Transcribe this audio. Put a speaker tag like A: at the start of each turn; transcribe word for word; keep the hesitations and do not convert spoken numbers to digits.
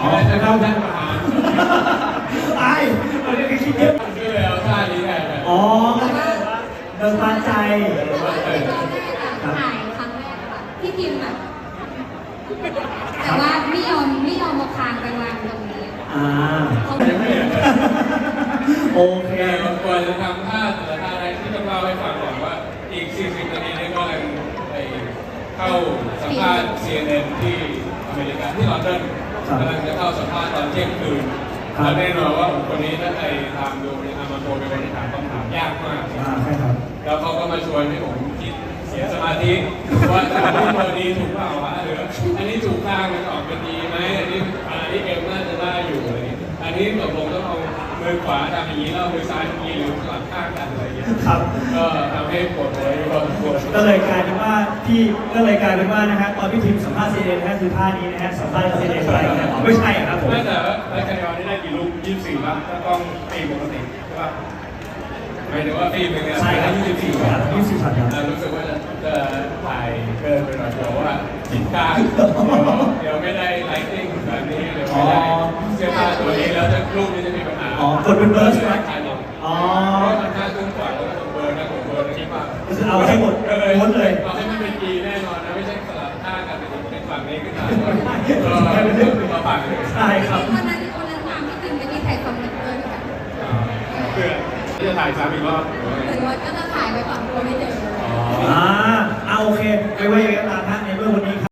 A: อ๋อจะเข้าท่านประธาน
B: ไอ้เราเรียกคิดเยอะ
A: ก็เลยเอาท่านี้แทน
B: อ๋อเดินปานใจ
C: แต่ว่าตอนแรกอะถ่ายครั้งแรกอะพี่พิมพ์แบบแต่ว่าไม่ยอมไม่ยอมมาคางไปวางตรงนี้
B: อ่า
C: เขาไม่ได้
B: โอเค
A: แต่ก่อนจะทำท่าแต่ละท่าอะไรที่ต้องเล่าให้ฟังก่อนว่าอีกสี่สิบนาทีนี้ก็กำลังไปเข้าสัมภาษณ์ ซี เอ็น เอ็น ที่อเมริกาที่ลอนดอนกำลังจะเข้าสัมภาษณ์ตอนเที่ยงคืนแล้วแน่นอนว่าคนนี้ถ้าใครตามดูเนี่ยอามาโกเป็นคนที่ถามคำถามยากมาก
B: อ่าใช่ครับ
A: แล้วเขาก็มาชวนให้ผมคิดเสียสมาธิว่าอันนี้เบอร์ดีถูกเปล่าวะหรืออันนี้ถูกข้างมันออกเป็นดีไหมอันนี้อันนี้เอ็มน่าจะได้อยู่อะไรอย่างเงี้ยอันนี้ตกลงต้องเอามือขวาทำอย่างนี้แล้วมือซ้ายทำอย่างนี้หรือสลับข้างกันอะไรอย่างเงี้ย
B: ครับ
A: ก็ทำให้ปวดหัวอยู่พอสมควร
B: ก็เลยกลายเป็นว่าพี่ก็เลยกลายเป็นว่านะฮะตอนพี่ทีมสัมภาษณ์ซีเอ็นนะฮะคือท่านี้นะฮะสัมภาษณ์ซีเอ็นอะไรนะอ๋อไม่ใช่อะครับผม
A: ไม่แต่ว่าแล้วคะแนนนี้ได้กี่ลูกยี่สิบสี่ป่ะถ้าต้องตีปกติใช่ป่ะหมายถึงว่าตีหนึ่งเนี่ย
B: ใช่ครับ
A: ยี่สิบสี่
B: ครับยี่สิบสี่ช็อตครับ
A: อ่ารู้สึกว่าจะจะถ่ายเกินไปหน่อยเดี๋ยวว่าจิตกลางเดี๋ยวไม่ได้ไลท์ติ้งแบบนี้เดี๋ยวไม่ได้เสื้อผ้าตัวนี้แล้วจะรูปนี้จะมีปัญหา
B: อ๋อกดเป็นเบอร์ใช่ไหม อ๋อ
A: เพราะมันห้าครึ่งกว่าแล้วก็เบอร์นะผมเบอร์นะคิดว่า
B: เอาให้หมดหมดเลย
A: เอาให้มันเป็นกีแน่นอนนะไม่ใช่สลับท่ากันเป็นฝั่งนี้ขึ้นมาก็เป็นเรื่องมาฝั่งเลย
B: ใช่ครับ
C: วันนั้นวันนั้นตามพี่พิมพ์ไปที่ถ่ายคอมเมนต์ด้วยกัน
A: เพื่อที่จะถ่ายซ้ำอีกรอบ
C: หรือว่าก็จะถ่ายไว้ก่อนกลัวไม่เจอ
B: อ่าเอาโอเคไม่ว่าอย่างไรก็ตาม